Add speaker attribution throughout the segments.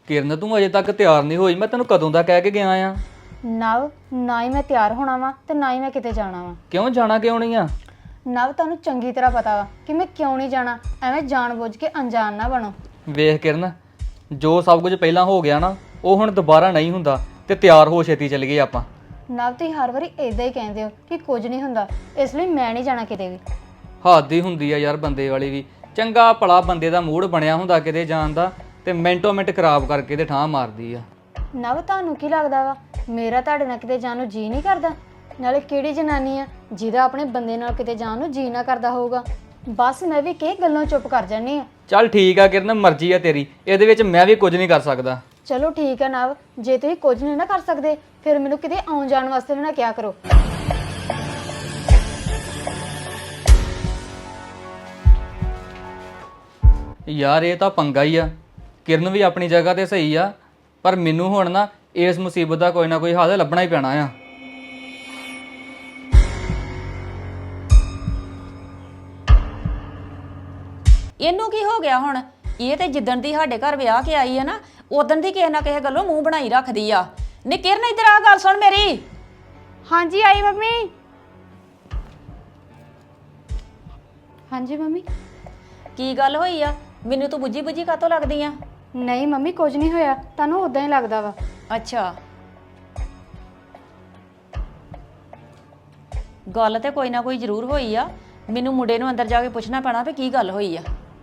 Speaker 1: ਕਿਰਨ ਤੂੰ ਅਜੇ ਤੱਕ ਤਿਆਰ ਨਹੀਂ ਹੋਈ, ਮੈਂ ਤੈਨੂੰ ਕਦੋਂ ਦਾ ਕਹਿ ਕੇ ਗਿਆ ਆ।
Speaker 2: ਨਵ, ਨਾ ਹੀ ਮੈਂ ਤਿਆਰ ਹੋਣਾ ਵਾ ਤੇ ਨਾ ਹੀ ਮੈਂ ਕਿਤੇ ਜਾਣਾ ਵਾ।
Speaker 1: ਕਿਉਂ ਜਾਣਾ ਕਿਉਂ ਨਹੀਂ ਆ?
Speaker 2: ਨਵ, ਤੁਹਾਨੂੰ ਚੰਗੀ ਤਰ੍ਹਾਂ ਪਤਾ ਵਾ ਕਿ ਮੈਂ ਕਿਉਂ ਨਹੀਂ ਜਾਣਾ। ਐਵੇਂ ਜਾਣਬੁੱਝ ਕੇ ਅਣਜਾਣ ਨਾ ਬਣੋ।
Speaker 1: ਵੇਖ ਕਿਰਨ, ਜੋ ਸਭ ਕੁਝ ਪਹਿਲਾਂ ਹੋ ਗਿਆ ਨਾ ਉਹ ਹੁਣ ਦੁਬਾਰਾ ਨਹੀਂ ਹੁੰਦਾ, ਤੇ ਤਿਆਰ ਹੋ ਛੇਤੀ ਚੱਲ ਗਏ ਆਪਾਂ।
Speaker 2: ਨਵ, ਤੁਸੀਂ ਹਰ ਵਾਰੀ ਇਦਾਂ ਹੀ ਕਹਿੰਦੇ ਹੋ ਕਿ ਕੁਝ ਨਹੀਂ ਹੁੰਦਾ, ਇਸ ਲਈ ਮੈਂ ਨਹੀਂ ਜਾਣਾ ਕਿਤੇ ਵੀ।
Speaker 1: ਹੱਦ ਹੀ ਹੁੰਦੀ ਆ ਯਾਰ ਬੰਦੇ ਵਾਲੀ ਵੀ। ਚੰਗਾ ਭਲਾ ਬੰਦੇ ਦਾ ਮੂਡ ਬਣਿਆ ਹੁੰਦਾ ਕਿਤੇ ਜਾਣ ਦਾ, ਤੇ ਮਿੰਟੋ ਮਿੰਟ ਖਰਾਬ ਕਰਕੇ ਤੇ ਠਾਹ ਮਾਰਦੀ ਆ।
Speaker 2: ਨਵ, ਤੁਹਾਨੂੰ ਕੀ ਲੱਗਦਾ ਵਾ ਮੇਰਾ ਤੁਹਾਡੇ ਨਾਲ ਕਿਤੇ ਜਾਣ ਨੂੰ ਜੀ ਨਹੀਂ ਕਰਦਾ? ਨਾਲੇ ਕਿਹੜੀ ਜਨਾਨੀ ਆ ਜਿਹਦਾ ਆਪਣੇ ਬੰਦੇ ਨਾਲ ਕਿਤੇ ਜਾਣ ਨੂੰ ਜੀ ਨਾ ਕਰਦਾ ਹੋਊਗਾ। ਬਸ ਮੈਂ ਵੀ ਕਿਸੇ ਗੱਲੋਂ ਚੁੱਪ ਕਰ ਜਾਨੀ ਆ।
Speaker 1: ਚੱਲ ਠੀਕ ਆ ਕਿਰਨ, ਮਰਜ਼ੀ ਆ ਤੇਰੀ, ਇਹਦੇ ਵਿੱਚ ਮੈਂ ਵੀ ਕੁਝ ਨਹੀਂ ਕਰ ਸਕਦਾ।
Speaker 2: ਚਲੋ ਠੀਕ ਹੈ ਨਵ, ਜੇ ਤੁਸੀਂ ਕੁਝ ਨਹੀਂ ਨਾ ਕਰ ਸਕਦੇ ਫਿਰ ਮੈਨੂੰ ਕਿਤੇ ਆਉਣ ਜਾਣ ਵਾਸਤੇ ਵੀ ਨਾ ਕਿਹਾ ਕਰੋ।
Speaker 1: ਯਾਰ ਇਹ ਤਾਂ ਪੰਗਾ ਹੀ ਆ। ਕਿਰਨ ਵੀ ਆਪਣੀ ਜਗ੍ਹਾ ਤੇ ਸਹੀ ਆ, ਪਰ ਮੈਨੂੰ ਹੁਣ ਨਾ ਇਸ ਮੁਸੀਬਤ ਦਾ ਕੋਈ ਨਾ ਕੋਈ ਹੱਲ ਲੱਭਣਾ ਹੀ ਪੈਣਾ ਆ।
Speaker 3: ਇਹਨੂੰ ਕੀ ਹੋ ਗਿਆ ਹੁਣ? ਇਹ ਤੇ ਜਿੱਦਣ ਦੀ ਸਾਡੇ ਘਰ ਵਿਆਹ ਕੇ ਆਈ ਹੈ ਨਾ, ਉਦਣ ਦੀ ਕਿਸੇ ਨਾ ਕਿਸੇ ਗੱਲੋਂ ਮੂੰਹ ਬਣਾਈ ਰੱਖਦੀ ਆ। ਨੀ ਕਿਰਨ, ਇੱਧਰ ਆ, ਗੱਲ ਸੁਣ ਮੇਰੀ।
Speaker 2: ਹਾਂਜੀ ਆਈ ਮੰਮੀ। ਹਾਂਜੀ ਮੰਮੀ।
Speaker 3: ਕੀ ਗੱਲ ਹੋਈ ਆ? ਮੈਨੂੰ ਤੂੰ ਬੁੱਝੀ ਬੁੱਝੀ ਕਾਤੋਂ ਲੱਗਦੀ ਆ?
Speaker 2: ਨਹੀਂ ਮੰਮੀ, ਕੁਝ ਨਹੀਂ ਹੋਇਆ, ਤੁਹਾਨੂੰ ਉਦਾਂ ਹੀ ਲੱਗਦਾ ਵਾ।
Speaker 3: ਅੱਛਾ, ਗੱਲ ਤੇ ਕੋਈ ਨਾ ਕੋਈ ਜ਼ਰੂਰ ਹੋਈ ਆ। ਮੈਨੂੰ ਮੁੰਡੇ ਨੂੰ ਅੰਦਰ ਜਾ ਕੇ ਪੁੱਛਣਾ ਪੈਣਾ ਵੀ ਕੀ ਗੱਲ ਹੋਈ ਆ।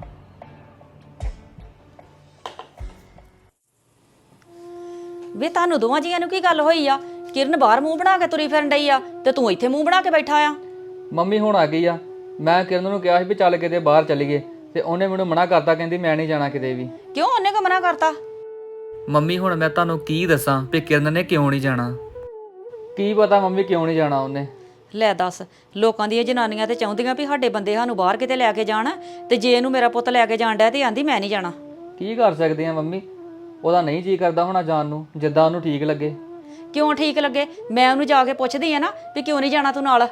Speaker 3: ਵੇ ਤੁਹਾਨੂੰ ਦੋਵਾਂ ਜੀਆਂ ਨੂੰ ਕੀ ਗੱਲ ਹੋਈ ਆ? ਕਿਰਨ ਬਾਹਰ ਮੂੰਹ ਬਣਾ ਕੇ ਤੁਰੀ ਫਿਰਨ ਡਈ ਆ ਤੇ ਤੂੰ ਇੱਥੇ ਮੂੰਹ ਬਣਾ ਕੇ ਬੈਠਾ ਆ।
Speaker 1: ਮੰਮੀ ਹੁਣ ਆ ਗਈ ਆ। ਮੈਂ ਕਿਰਨ ਨੂੰ ਕਿਹਾ ਸੀ ਵੀ ਚੱਲ ਕਿਤੇ ਬਾਹਰ ਚੱਲੀਏ, ਤੇ ਉਹਨੇ ਮੈਨੂੰ ਮਨਾ ਕਰਤਾ, ਕਹਿੰਦੀ ਮੈਂ ਨਹੀਂ ਜਾਣਾ ਕਿਤੇ ਵੀ।
Speaker 3: ਕਿਉਂ, ਉਹਨੇ ਕਿਉਂ ਮਨਾ ਕਰਤਾ?
Speaker 1: ਮੰਮੀ ਹੁਣ ਮੈਂ ਤੁਹਾਨੂੰ ਕੀ ਦੱਸਾਂ ਵੀ ਕਿਰਨ ਨੇ ਕਿਉਂ ਨਹੀਂ ਜਾਣਾ। ਕੀ ਪਤਾ ਮੰਮੀ ਕਿਉਂ ਨਹੀਂ ਜਾਣਾ ਉਹਨੇ।
Speaker 3: ਲੈ ਦੱਸ, ਲੋਕਾਂ ਦੀਆਂ ਜਨਾਨੀਆਂ ਤੇ ਚਾਹੁੰਦੀਆਂ ਵੀ ਸਾਡੇ ਬੰਦੇ ਸਾਨੂੰ ਬਾਹਰ ਕਿਤੇ ਲੈ ਕੇ ਜਾਣ, ਤੇ ਜੇ ਇਹਨੂੰ ਮੇਰਾ ਪੁੱਤ ਲੈ ਕੇ ਜਾਣ ਡਿਆ ਤੇ ਆਂਦੀ ਮੈਂ ਨਹੀਂ ਜਾਣਾ।
Speaker 1: ਕੀ ਕਰ ਸਕਦੇ ਆ ਮੰਮੀ, ਉਹਦਾ ਨਹੀਂ ਜੀ ਕਰਦਾ ਹੋਣਾ ਜਾਣ ਨੂੰ, ਜਿੱਦਾਂ ਉਹਨੂੰ ਠੀਕ ਲੱਗੇ।
Speaker 3: ਕਿਉਂ ਠੀਕ ਲੱਗੇ? ਮੈਂ ਉਹਨੂੰ ਜਾ ਕੇ ਪੁੱਛਦੀ ਆ ਨਾ ਵੀ ਕਿਉਂ ਨਹੀਂ ਜਾਣਾ ਤੂੰ ਨਾਲ।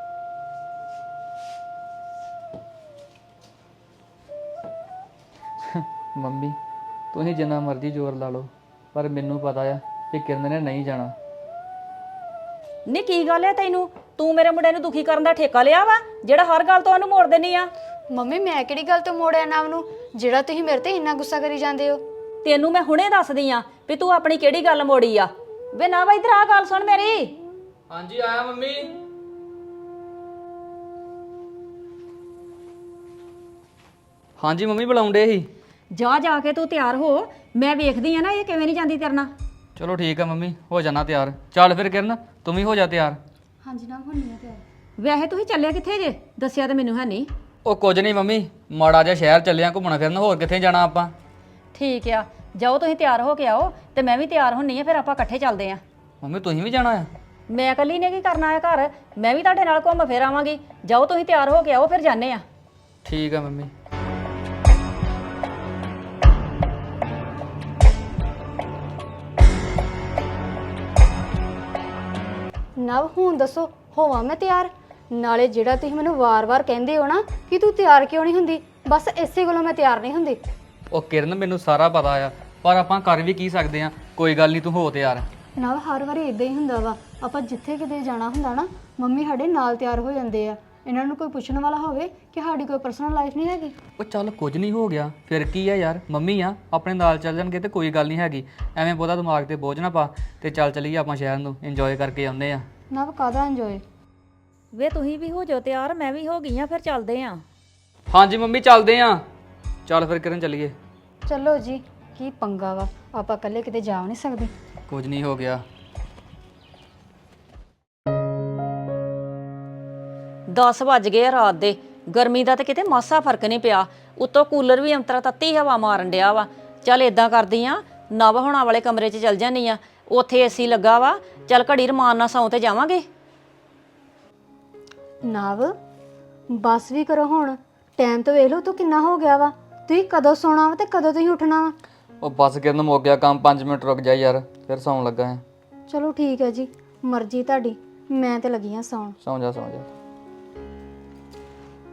Speaker 1: ਮੰਮੀ ਤੁਸੀਂ ਜਿੰਨਾ ਮਰਜ਼ੀ ਜ਼ੋਰ ਲਾ ਲਓ, ਪਰ ਮੈਨੂੰ ਪਤਾ ਆ ਕਿ ਕਿਰਨ ਨੇ ਨਹੀਂ ਜਾਣਾ।
Speaker 3: ਨੀ ਕੀ ਗੱਲ ਹੈ ਤੈਨੂੰ? ਤੂੰ ਮੇਰੇ ਮੁੰਡੇ ਨੂੰ ਦੁਖੀ ਕਰਨ ਦਾ ਠੇਕਾ ਲਿਆ ਵਾ ਜਿਹੜਾ ਹਰ ਗੱਲ ਤੋਂ ਉਹਨੂੰ ਮੋੜ ਦੇਣੀ ਆ।
Speaker 2: ਮੰਮੀ, ਮੈਂ ਕਿਹੜੀ ਗੱਲ ਤੋਂ ਮੋੜਿਆ ਨਵ ਨੂੰ ਜਿਹੜਾ ਤੁਸੀਂ ਮੇਰੇ ਤੇ ਇੰਨਾ ਗੁੱਸਾ ਕਰੀ ਜਾਂਦੇ ਹੋ?
Speaker 3: ਤੈਨੂੰ ਮੈਂ ਹੁਣੇ ਦੱਸਦੀ ਆ ਵੀ ਤੂੰ ਆਪਣੀ ਕਿਹੜੀ ਗੱਲ ਮੋੜੀ ਆ। ਵੇ ਨਾ ਵਾ, ਇੱਧਰ ਆ, ਗੱਲ ਸੁਣ ਮੇਰੀ।
Speaker 1: ਹਾਂਜੀ ਆਇਆ ਮੰਮੀ। ਹਾਂਜੀ ਮੰਮੀ ਬੁਲਾਉਂਦੇ ਸੀ।
Speaker 3: ਜਾ ਜਾ ਕੇ ਤੂੰ ਤਿਆਰ ਹੋ, ਮੈਂ ਵੇਖਦੀ ਆ ਨਾ ਇਹ ਕਿਵੇਂ ਨਹੀਂ ਜਾਂਦੀ ਤੇਰੇ ਨਾਲ।
Speaker 1: ਚਲੋ ਠੀਕ ਆ ਮੰਮੀ, ਹੋ ਜਾਣਾ ਤਿਆਰ। ਚੱਲ ਫਿਰ ਕਿਰਨ, ਤੂੰ ਵੀ ਹੋ ਜਾ ਤਿਆਰ।
Speaker 2: ਹਾਂਜੀ ਨਵ, ਹੁੰਨੀ ਆ ਤਿਆਰ।
Speaker 3: ਵੈਸੇ ਤੁਸੀਂ ਚੱਲਿਆ ਕਿੱਥੇ ਜੇ? ਦੱਸਿਆ ਤਾਂ ਮੈਨੂੰ ਹੈ ਨਹੀਂ।
Speaker 1: ਉਹ ਕੁਝ ਨਹੀਂ ਮੰਮੀ, ਮਾੜਾ ਜਿਹਾ ਸ਼ਹਿਰ ਚੱਲਿਆ ਘੁੰਮਣਾ ਫਿਰਨ, ਹੋਰ ਕਿੱਥੇ ਜਾਣਾ ਆਪਾਂ।
Speaker 3: ਠੀਕ ਆ, ਜਾਓ ਤੁਸੀਂ ਤਿਆਰ ਹੋ ਕੇ ਆਓ ਤੇ ਮੈਂ ਵੀ ਤਿਆਰ ਹੁੰਨੀ ਆ, ਫਿਰ ਆਪਾਂ ਇਕੱਠੇ ਚੱਲਦੇ ਆ।
Speaker 1: ਮੰਮੀ ਤੁਸੀਂ ਵੀ ਜਾਣਾ ਆ?
Speaker 3: ਮੈਂ ਇਕੱਲੀ ਨੇ ਕੀ ਕਰਨਾ ਹੈ ਘਰ, ਮੈਂ ਵੀ ਤੁਹਾਡੇ ਨਾਲ ਘੁੰਮ ਫਿਰ ਆਵਾਂਗੀ। ਜਾਓ ਤੁਸੀਂ ਤਿਆਰ ਹੋ ਕੇ ਆਓ, ਫਿਰ ਜਾਂਦੇ ਆ।
Speaker 1: ਠੀਕ ਆ ਮੰਮੀ।
Speaker 2: ਨਵ, ਹੁਣ ਦੱਸੋ ਹੋਵਾਂ ਮੈਂ ਤਿਆਰ? ਨਾਲੇ ਜਿਹੜਾ ਤੁਸੀਂ ਮੈਨੂੰ ਵਾਰ-ਵਾਰ ਕਹਿੰਦੇ ਹੋ ਨਾ ਕਿ ਤੂੰ ਤਿਆਰ ਕਿਉਂ ਨਹੀਂ ਹੁੰਦੀ, ਬਸ ਇਸੇ ਗੱਲੋਂ ਮੈਂ ਤਿਆਰ ਨਹੀਂ ਹੁੰਦੀ।
Speaker 1: ਉਹ ਕਿਰਨ ਮੈਨੂੰ ਸਾਰਾ ਪਤਾ ਆ, ਪਰ ਆਪਾਂ ਕਰ ਵੀ ਕੀ ਸਕਦੇ ਆ। ਕੋਈ ਗੱਲ ਨਹੀਂ, ਤੂੰ ਹੋ ਤਿਆਰ।
Speaker 2: ਨਵ, ਹਰ ਵਾਰੀ ਇਦਾਂ ਹੀ ਹੁੰਦਾ ਵਾ, ਆਪਾਂ ਜਿੱਥੇ ਕਿਤੇ ਜਾਣਾ ਹੁੰਦਾ ਨਾ ਮੰਮੀ ਸਾਡੇ ਨਾਲ ਤਿਆਰ ਹੋ ਜਾਂਦੇ ਆ। ਇਹਨਾਂ ਨੂੰ ਕੋਈ ਪੁੱਛਣ ਵਾਲਾ ਹੋਵੇ ਕਿ ਸਾਡੀ ਕੋਈ ਪਰਸਨਲ ਲਾਈਫ ਨਹੀਂ ਹੈਗੀ।
Speaker 1: ਉਹ ਚੱਲ ਕੁਝ ਨਹੀਂ ਹੋ ਗਿਆ, ਫਿਰ ਕੀ ਆ ਯਾਰ, ਮੰਮੀ ਆ ਆਪਣੇ ਨਾਲ ਚੱਲ ਜਾਣਗੇ ਤੇ ਕੋਈ ਗੱਲ ਨਹੀਂ ਹੈਗੀ। ਐਵੇਂ ਬਹੁਤਾ ਦਿਮਾਗ ਤੇ ਬੋਝ ਨਾ ਪਾ, ਤੇ ਚੱਲ ਚੱਲੀਏ ਆਪਾਂ ਸ਼ਹਿਰ ਨੂੰ, ਇੰਜੋਏ ਕਰਕੇ ਆਉਂਦੇ ਆ।
Speaker 2: ਨਵ, ਕਾਹਦਾ ਇੰਜੋਏ?
Speaker 3: ਵੇ ਤੁਸੀਂ ਵੀ ਹੋ ਜਾਓ ਤਿਆਰ, ਮੈਂ ਵੀ ਹੋ ਗਈ ਆ, ਫਿਰ ਚੱਲਦੇ ਆ।
Speaker 1: ਹਾਂਜੀ ਮੰਮੀ ਚੱਲਦੇ ਆ। ਚੱਲ ਫਿਰ ਕਿਰਨ ਚੱਲੀਏ।
Speaker 2: ਚਲੋ ਜੀ, ਕੀ ਪੰਗਾ ਵਾ, ਆਪਾਂ ਇਕੱਲੇ ਕਿਤੇ ਜਾ ਨਹੀਂ ਸਕਦੇ।
Speaker 1: ਕੁਝ ਨਹੀਂ ਹੋ ਗਿਆ।
Speaker 3: 10 ਵੱਜ ਗਏ ਆ ਰਾਤ ਦੇ। ਗਰਮੀ ਦਾ ਤੇ ਕਿਤੇ ਮਾਸਾ ਫਰਕ ਨਹੀਂ ਪਿਆ, ਉੱਤੋਂ ਕੂਲਰ ਵੀ ਅੰਤਰਾ ਤੱਤੀ ਹਵਾ ਮਾਰਨ ਡਿਆ ਵਾ। ਚੱਲ ਇਦਾਂ ਕਰਦੀ ਆ, ਨਵ ਹੋਣਾ ਵਾਲੇ ਕਮਰੇ 'ਚ ਚੱਲ ਜਾਂਦੀ ਆ, ਉੱਥੇ ਏਸੀ ਲੱਗਾ ਵਾ। ਚੱਲ ਘੜੀ ਰਮਾਨ ਨਾਲ ਸੌਂ ਤੇ ਜਾਵਾਂਗੇ।
Speaker 2: ਨਵ, ਬਸ ਵੀ ਕਰੋ ਹੁਣ, ਟਾਈਮ ਤਾਂ ਵੇਖ ਲਓ ਤੂੰ ਕਿੰਨਾ ਹੋ ਗਿਆ ਵਾ। ਤੁਸੀਂ ਕਦੋਂ ਸੌਣਾ ਵਾ ਤੇ ਕਦੋਂ ਤੁਸੀਂ ਉੱਠਣਾ ਵਾ?
Speaker 1: ਉਹ ਬੱਸ ਕਿਰਨ ਮੁੱਕ ਗਿਆ ਕੰਮ, 5 ਮਿੰਟ ਰੁਕ ਜਾ ਯਾਰ, ਫਿਰ ਸੌਣ ਲੱਗਾ ਹੈ।
Speaker 2: ਚਲੋ ਠੀਕ ਹੈ ਜੀ, ਮਰਜ਼ੀ ਤੁਹਾਡੀ, ਮੈਂ ਤੇ ਲੱਗੀ ਆ ਸੌਣ।
Speaker 1: ਸੌਂ ਜਾ ਸੌਂ ਜਾ।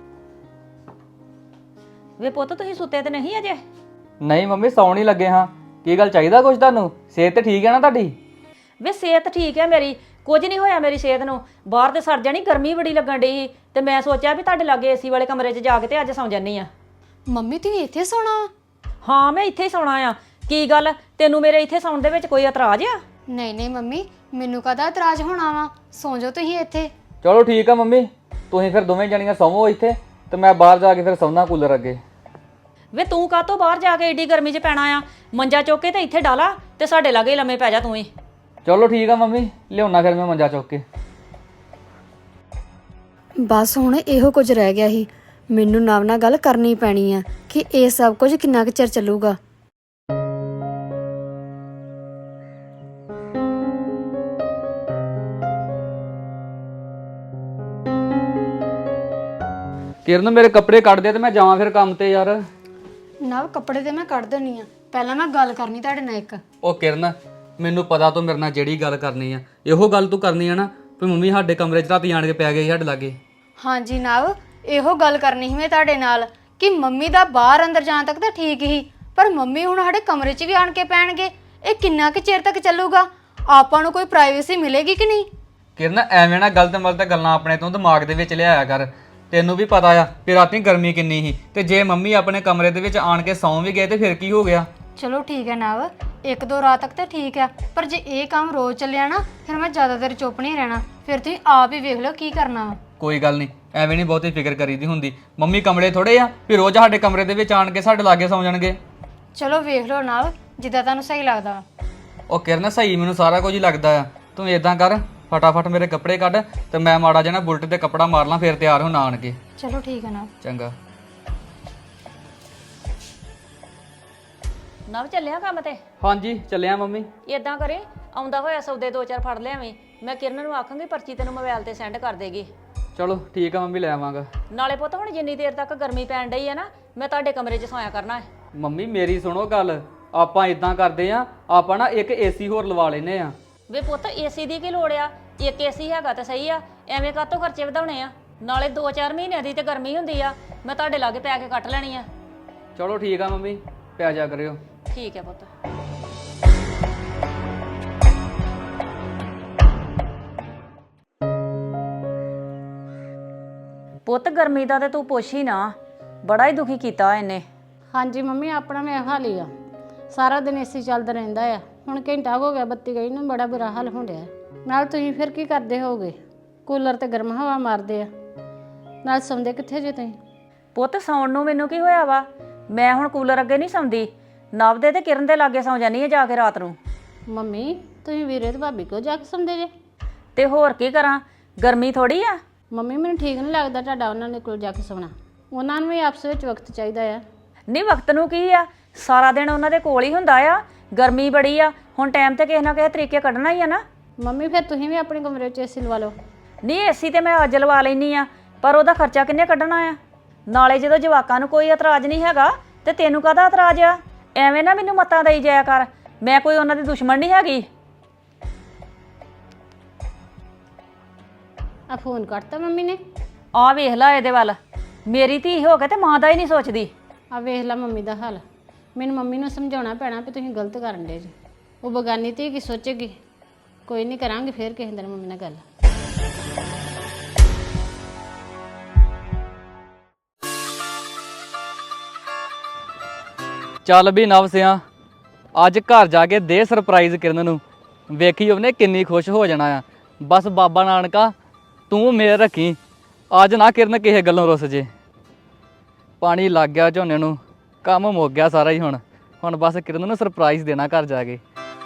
Speaker 3: ਵੇ ਪੁੱਤ, ਤੁਸੀਂ ਸੁੱਤੇ ਤੇ ਨਹੀਂ ਅਜੇ?
Speaker 1: ਨਹੀਂ ਮੰਮੀ, ਸੌਣ ਹੀ ਲੱਗੇ ਹਾਂ। ਕੀ ਗੱਲ ਚਾਹੀਦਾ ਕੁਝ ਤੁਹਾਨੂੰ? ਸਿਹਤ ਤੇ ਠੀਕ ਹੈ ਨਾ ਤੁਹਾਡੀ?
Speaker 3: ਵੇ ਸਿਹਤ ਠੀਕ ਹੈ ਮੇਰੀ, ਕੁਝ ਨਹੀਂ ਹੋਇਆ ਮੇਰੀ ਸਿਹਤ ਨੂੰ। ਬਾਹਰ ਤੇ ਸਰ ਜਾਣੀ, ਗਰਮੀ ਬੜੀ ਲੱਗਣ ਡਈ ਸੀ ਤੇ ਮੈਂ ਸੋਚਿਆ ਵੀ ਤੁਹਾਡੇ ਲਾਗੇ ਏਸੀ ਵਾਲੇ ਕਮਰੇ 'ਚ ਜਾ ਕੇ ਤੇ ਅੱਜ ਸੌਂ ਜਾਨੀ ਆ।
Speaker 2: ਮੰਮੀ ਤੁਸੀਂ ਇੱਥੇ ਸੌਣਾ ਵਾ?
Speaker 3: ਹਾਂ ਮੈਂ ਇੱਥੇ ਹੀ ਸੌਣਾ ਆ। ਕੀ ਗੱਲ, ਤੈਨੂੰ ਮੇਰੇ ਇੱਥੇ ਸੌਣ ਦੇ ਵਿੱਚ ਕੋਈ ਇਤਰਾਜ਼ ਆ?
Speaker 2: ਨਹੀਂ ਨਹੀਂ ਮੰਮੀ, ਮੈਨੂੰ ਕਾਹਦਾ ਇਤਰਾਜ਼ ਹੋਣਾ ਵਾ, ਸੌਂ ਜਾਓ ਤੁਸੀਂ ਇੱਥੇ।
Speaker 1: ਚਲੋ ਠੀਕ ਆ ਮੰਮੀ, ਤੁਸੀਂ ਫਿਰ ਦੋਵੇਂ ਜਣੀਆਂ ਸੌਵੋ ਇੱਥੇ ਤੇ ਮੈਂ ਬਾਹਰ ਜਾ ਕੇ ਫਿਰ ਸੌਣਾ ਕੂਲਰ ਅੱਗੇ।
Speaker 3: ਵੇ ਤੂੰ ਕਾਹਤੋਂ ਬਾਹਰ ਜਾ ਕੇ ਏਡੀ ਗਰਮੀ 'ਚ ਪੈਣਾ ਆ? ਮੰਜਾ ਚੁੱਕ ਕੇ ਤੇ ਇੱਥੇ ਡਾਲਾ ਤੇ ਸਾਡੇ ਲਾਗੇ ਲੰਮੇ ਪੈ ਜਾ ਤੂੰ ਹੀ।
Speaker 1: ਚਲੋ ਠੀਕ ਆ ਮੰਮੀ, ਲਿਆਉਣਾ ਫਿਰ ਮੈਂ ਮੰਜਾ ਚੁੱਕ ਕੇ।
Speaker 2: ਬਸ ਹੁਣ ਇਹੋ ਕੁਝ ਰਹਿ ਗਿਆ ਸੀ, ਮੈਨੂੰ ਨਵ ਨਾਲ ਗੱਲ ਕਰਨੀ ਪੈਣੀ ਆ ਕਿ ਇਹ ਸਭ ਕੁਝ ਕਿੰਨਾ ਕੁ ਚਿਰ ਚੱਲੂਗਾ।
Speaker 1: ਕਿਰਨ ਮੇਰੇ ਕੱਪੜੇ ਕੱਢ ਦੇ ਤੇ ਮੈਂ ਜਾਵਾਂ ਫਿਰ ਕੰਮ ਤੇ ਯਾਰ।
Speaker 2: ਨਵ ਕੱਪੜੇ ਤੇ ਮੈਂ ਕੱਢ ਦੇਣੀ ਆ, ਪਹਿਲਾਂ ਮੈਂ ਗੱਲ ਕਰਨੀ ਤੁਹਾਡੇ ਨਾਲ ਇੱਕ।
Speaker 1: ਉਹ ਕਿਰਨ, ਮੈਨੂੰ ਪਤਾ ਤੂੰ ਮੇਰੇ ਨਾਲ ਜਿਹੜੀ ਗੱਲ ਕਰਨੀ ਆ, ਇਹੋ ਗੱਲ ਤੂੰ ਕਰਨੀ ਆ ਨਾ ਵੀ ਮੰਮੀ ਸਾਡੇ ਕਮਰੇ 'ਚ ਰਾਤੀ ਆਣ ਕੇ ਪੈ ਗਏ ਸਾਡੇ ਲਾਗੇ।
Speaker 2: ਹਾਂਜੀ ਨਵ, ਇਹੋ ਗੱਲ ਕਰਨੀ ਸੀ ਮੈਂ ਤੁਹਾਡੇ ਨਾਲ ਕਿ ਮੰਮੀ ਦਾ ਬਾਹਰ ਅੰਦਰ ਜਾਣ ਤੱਕ ਤਾਂ ਠੀਕ ਹੀ, ਪਰ ਮੰਮੀ ਹੁਣ ਸਾਡੇ ਕਮਰੇ 'ਚ ਵੀ ਆਣ ਕੇ ਪੈਣਗੇ। ਇਹ ਕਿੰਨਾ ਕੁ ਚਿਰ ਤੱਕ ਚੱਲੂਗਾ? ਆਪਾਂ ਨੂੰ ਕੋਈ ਪ੍ਰਾਈਵੇਸੀ ਮਿਲੇਗੀ ਕਿ ਨਹੀਂ?
Speaker 1: ਕਿਰਨ ਐਵੇਂ ਨਾ ਗਲਤ ਗੱਲਾਂ ਆਪਣੇ ਤੋਂ ਦਿਮਾਗ ਦੇ ਵਿੱਚ ਲਿਆਇਆ ਕਰ। ਤੈਨੂੰ ਵੀ ਪਤਾ ਆ ਕਿ ਰਾਤੀ ਗਰਮੀ ਕਿੰਨੀ ਸੀ, ਤੇ ਜੇ ਮੰਮੀ ਆਪਣੇ ਕਮਰੇ ਦੇ ਵਿੱਚ ਆਣ ਕੇ ਸੌਂ ਵੀ ਗਏ ਤੇ ਫਿਰ ਕੀ ਹੋ ਗਿਆ?
Speaker 2: ਚਲੋ ਠੀਕ ਹੈ ਨਵ, ਇੱਕ ਦੋ ਰਾਤ ਤੱਕ ਤਾਂ ਠੀਕ ਹੈ, ਪਰ ਜੇ ਇਹ ਕੰਮ ਰੋਜ਼ ਚੱਲਿਆ ਨਾ ਫਿਰ ਮੈਂ ਜ਼ਿਆਦਾ ਦੇਰ ਚੁੱਪ ਨਹੀਂ ਰਹਿਣਾ। ਫਿਰ ਤੁਸੀਂ ਆਪ ਹੀ ਵੇਖ ਲਓ ਕੀ ਕਰਨਾ ਵਾ।
Speaker 1: ਕੋਈ ਗੱਲ ਨਹੀਂ, ਐਵੇਂ ਨਹੀਂ ਬਹੁਤੀ ਫਿਕਰ ਕਰੀਦੀ ਹੁੰਦੀ। ਮੰਮੀ ਕਮਰੇ ਥੋੜੇ ਆ ਵੀ ਰੋਜ਼ ਸਾਡੇ ਕਮਰੇ ਦੇ ਵਿੱਚ ਆਣ ਕੇ ਸਾਡੇ ਲਾਗੇ ਸੌਂ ਜਾਣਗੇ।
Speaker 2: ਚਲੋ ਵੇਖ ਲਓ ਨਵ, ਜਿੱਦਾਂ ਤੁਹਾਨੂੰ ਸਹੀ ਲੱਗਦਾ ਵਾ।
Speaker 1: ਉਹ ਕਿਰਨ ਸਹੀ ਮੈਨੂੰ ਸਾਰਾ ਕੁਝ ਹੀ ਲੱਗਦਾ ਆ। ਤੂੰ ਇਦਾਂ ਕਰ, ਫਟਾਫਟ ਮੇਰੇ ਕੱਪੜੇ ਕੱਢ ਤੇ ਮੈਂ ਮਾੜਾ ਜਿਹਾ ਨਾ ਬੁਲਟ ਤੇ ਕੱਪੜਾ ਮਾਰ ਲਾਂ, ਫਿਰ ਤਿਆਰ ਹੋਣਾ ਆਣ ਕੇ।
Speaker 2: ਚਲੋ ਠੀਕ ਹੈ ਨਵ।
Speaker 1: ਚੰਗਾ।
Speaker 3: ਨਵ ਚੱਲਿਆ ਕੰਮ ਤੇ?
Speaker 1: ਹਾਂਜੀ ਚੱਲਿਆ ਮੰਮੀ।
Speaker 3: ਇਦਾਂ ਕਰੇ, ਆਉਂਦਾ ਹੋਇਆ ਸੌਦੇ 2-4 ਫੜ ਲਿਆਵੇਂ। ਮੈਂ ਕਿਰਨ ਨੂੰ ਆਖਾਂਗੀ ਪਰਚੀ ਤੈਨੂੰ ਮੋਬਾਈਲ ਤੇ ਸੈਂਡ ਕਰ ਦੇਗੀ।
Speaker 1: ਚਲੋ ਠੀਕ ਆ ਮੰਮੀ, ਲੈ ਆਵਾਂਗਾ।
Speaker 3: ਨਾਲੇ ਪੁੱਤ ਹੁਣ ਜਿੰਨੀ ਦੇਰ ਤੱਕ ਗਰਮੀ ਪੈਣ ਡਈ ਹੈ ਨਾ, ਮੈਂ ਤੁਹਾਡੇ ਕਮਰੇ 'ਚ ਸੌਂਇਆ ਕਰਨਾ ਹੈ।
Speaker 1: ਮੰਮੀ ਮੇਰੀ ਸੁਣੋ ਗੱਲ, ਆਪਾਂ ਇਦਾਂ ਕਰਦੇ ਆ, ਆਪਾਂ ਨਾ ਇੱਕ ਏਸੀ ਹੋਰ ਲਵਾ ਲੈਨੇ ਆ।
Speaker 3: ਵੇ ਪੁੱਤ ਏਸੀ ਦੀ ਕੀ ਲੋੜ ਆ? ਇੱਕ ਏਸੀ ਹੈਗਾ ਤਾਂ ਸਹੀ ਆ, ਐਵੇਂ ਕਾਹਤੋਂ ਖਰਚੇ ਵਧਾਉਣੇ ਆ? ਨਾਲੇ 2-4 ਮਹੀਨਿਆਂ ਦੀ ਤੇ ਗਰਮੀ ਹੁੰਦੀ ਆ, ਮੈਂ ਤੁਹਾਡੇ ਲਾਗੇ ਪੈ ਕੇ ਕੱਟ ਲੈਣੀ ਆ।
Speaker 1: ਚਲੋ ਠੀਕ ਆ ਮੰਮੀ, ਪੈ ਜਾ ਕਰਿਓ।
Speaker 3: ਠੀਕ ਹੈ ਪੁੱਤ। ਪੁੱਤ ਗਰਮੀ ਦਾ ਤੇ ਤੂੰ ਪੁੱਛ ਹੀ ਨਾ, ਬੜਾ ਹੀ ਦੁਖੀ ਕੀਤਾ ਇਹਨੇ।
Speaker 4: ਹਾਂਜੀ ਮੰਮੀ, ਆਪਣਾ ਵੀ ਹਾਲ ਹੀ ਆ। ਸਾਰਾ ਦਿਨ ਏਸੀ ਚੱਲਦਾ ਰਹਿੰਦਾ ਆ। ਹੁਣ ਘੰਟਾ ਹੋ ਗਿਆ ਬੱਤੀ ਗਈ ਨੂੰ, ਬੜਾ ਬੁਰਾ ਹਾਲ ਹੋ ਰਿਹਾ। ਨਾਲ ਤੁਸੀਂ ਫਿਰ ਕੀ ਕਰਦੇ ਹੋਗੇ? ਕੂਲਰ ਤੇ ਗਰਮ ਹਵਾ ਮਾਰਦੇ ਆ, ਨਾਲ ਸੌਂਦੇ ਕਿੱਥੇ ਜੇ ਤੁਸੀਂ?
Speaker 3: ਪੁੱਤ ਸੌਣ ਨੂੰ ਮੈਨੂੰ ਕੀ ਹੋਇਆ ਵਾ? ਮੈਂ ਹੁਣ ਕੂਲਰ ਅੱਗੇ ਨਹੀਂ ਸੌਂਦੀ, ਨਵ ਦੇ ਤੇ ਕਿਰਨ ਦੇ ਲਾਗੇ ਸੌਂ ਜਾਨੀ ਆ ਜਾ ਕੇ ਰਾਤ ਨੂੰ।
Speaker 4: ਮੰਮੀ ਤੁਸੀਂ ਵੀਰੇ ਤੇ ਭਾਬੀ ਕੋਲ ਜਾ ਕੇ ਸੌਂਦੇ ਜੇ?
Speaker 3: ਤੇ ਹੋਰ ਕੀ ਕਰਾਂ, ਗਰਮੀ ਥੋੜੀ ਆ।
Speaker 4: ਮੰਮੀ ਮੈਨੂੰ ਠੀਕ ਨਹੀਂ ਲੱਗਦਾ ਤੁਹਾਡਾ ਉਹਨਾਂ ਦੇ ਕੋਲ ਜਾ ਕੇ ਸੌਣਾ। ਉਹਨਾਂ ਨੂੰ ਵੀ ਆਪਸ ਵਿੱਚ ਵਕਤ ਚਾਹੀਦਾ ਆ।
Speaker 3: ਨਹੀਂ ਵਕਤ ਨੂੰ ਕੀ ਆ, ਸਾਰਾ ਦਿਨ ਉਹਨਾਂ ਦੇ ਕੋਲ ਹੀ ਹੁੰਦਾ ਆ। ਗਰਮੀ ਬੜੀ ਆ, ਹੁਣ ਟਾਈਮ ਤੇ ਕਿਸੇ ਨਾ ਕਿਸੇ ਤਰੀਕੇ ਕੱਢਣਾ ਹੀ ਆ ਨਾ।
Speaker 4: ਮੰਮੀ ਫਿਰ ਤੁਸੀਂ ਵੀ ਆਪਣੇ ਕਮਰੇ ਵਿੱਚ ਏਸੀ ਲਵਾ ਲਓ।
Speaker 3: ਨਹੀਂ ਏਸੀ ਤੇ ਮੈਂ ਅੱਜ ਲਵਾ ਲੈਣੀ ਆ, ਪਰ ਉਹਦਾ ਖਰਚਾ ਕਿੰਨੇ ਕੱਢਣਾ ਆ? ਨਾਲੇ ਜਦੋਂ ਜਵਾਕਾਂ ਨੂੰ ਕੋਈ ਇਤਰਾਜ਼ ਨਹੀਂ ਹੈਗਾ ਤੇ ਤੈਨੂੰ ਕਾਹਦਾ ਇਤਰਾਜ਼ ਆ? ਐਵੇਂ ਨਾ ਮੈਨੂੰ ਮੱਤਾਂ ਦੇਈ ਜਾਇਆ ਕਰ, ਮੈਂ ਕੋਈ ਉਹਨਾਂ ਦੀ ਦੁਸ਼ਮਣ ਨਹੀਂ ਹੈਗੀ।
Speaker 4: ਆ ਫੋਨ ਕੱਟਤਾ ਮੰਮੀ ਨੇ?
Speaker 3: ਆ ਵੇਖ ਲੈ ਇਹਦੇ ਵੱਲ, ਮੇਰੀ ਧੀ ਹੋ ਕੇ ਤੇ ਮਾਂ ਦਾ ਹੀ ਨਹੀਂ ਸੋਚਦੀ।
Speaker 4: ਆ ਵੇਖ ਲਾ ਮੰਮੀ ਦਾ ਹਾਲ। ਮੈਨੂੰ ਮੰਮੀ ਨੂੰ ਸਮਝਾਉਣਾ ਪੈਣਾ ਵੀ ਤੁਸੀਂ ਗਲਤ ਕਰਨ ਦੇ ਜੀ। ਉਹ ਬਗਾਨੀ ਧੀ ਕੀ ਸੋਚੇਗੀ? ਕੋਈ ਨਹੀਂ, ਕਰਾਂਗੇ ਫਿਰ ਕਿਸੇ ਦਿਨ ਮੰਮੀ ਨਾਲ ਗੱਲ।
Speaker 1: ਚੱਲ ਵੀ ਨਵ ਸਿਆ, ਅੱਜ ਘਰ ਜਾ ਕੇ ਦੇ ਸਰਪ੍ਰਾਈਜ਼ ਕਿਰਨ ਨੂੰ, ਵੇਖੀ ਉਹਨੇ ਕਿੰਨੀ ਖੁਸ਼ ਹੋ ਜਾਣਾ ਆ। ਬਸ ਬਾਬਾ ਨਾਨਕਾ ਤੂੰ ਮੇਰ ਰੱਖੀ, ਅੱਜ ਨਾ ਕਿਰਨ ਕਿਸੇ ਗੱਲੋਂ ਰੁੱਸ ਜੇ। ਪਾਣੀ ਲੱਗ ਗਿਆ ਝੋਨੇ ਨੂੰ, ਕੰਮ ਮੁੱਕ ਗਿਆ ਸਾਰਾ ਹੀ। ਹੁਣ ਬਸ ਕਿਰਨ ਨੂੰ ਸਰਪ੍ਰਾਈਜ਼ ਦੇਣਾ ਘਰ ਜਾ ਕੇ।